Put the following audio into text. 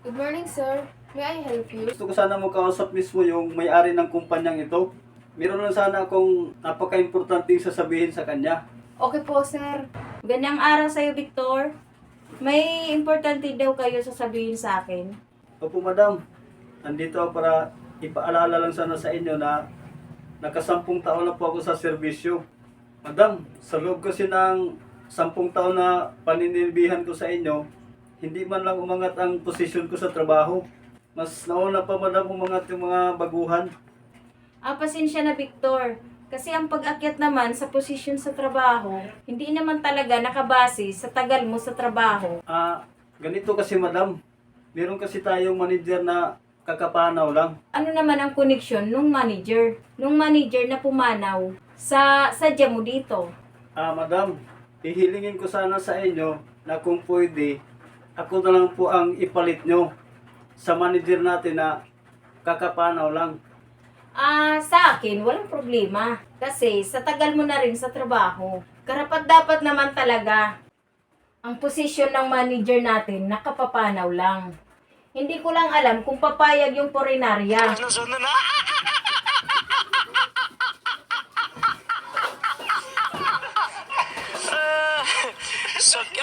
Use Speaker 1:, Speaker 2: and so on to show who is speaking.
Speaker 1: Good morning, sir. May I help you?
Speaker 2: Gusto ko sana makausap mismo yung may-ari ng kumpanyang ito. Meron lang sana akong napaka-importanting sasabihin sa kanya.
Speaker 1: Okay po, sir.
Speaker 3: Ganyang araw sa'yo, Victor. May importante daw kayo sasabihin sa akin.
Speaker 2: Opo, madam. Nandito ako para ipaalala lang sana sa inyo na nakasampung taon na po ako sa serbisyo. Madam, sa loob kasi ng 10 taon na paninilbihan ko sa inyo, hindi man lang umangat ang posisyon ko sa trabaho. Mas nauna pa madam umangat yung mga baguhan.
Speaker 3: Pasensya na, Victor. Kasi ang pag-akyat naman sa posisyon sa trabaho, hindi naman talaga nakabase sa tagal mo sa trabaho.
Speaker 2: Ganito kasi madam. Meron kasi tayong manager na kakapanaw lang.
Speaker 3: Ano naman ang koneksyon nung manager? Nung manager na pumanaw sa sadya mo dito.
Speaker 2: Madam, hihilingin ko sana sa inyo na kung pwede, ako na lang po ang ipalit nyo sa manager natin na kakapanaw lang.
Speaker 3: Sa akin, walang problema. Kasi sa tagal mo na rin sa trabaho, karapat dapat naman talaga ang posisyon ng manager natin nakapapanaw lang. Hindi ko lang alam kung papayag yung porinarya.
Speaker 4: Sakit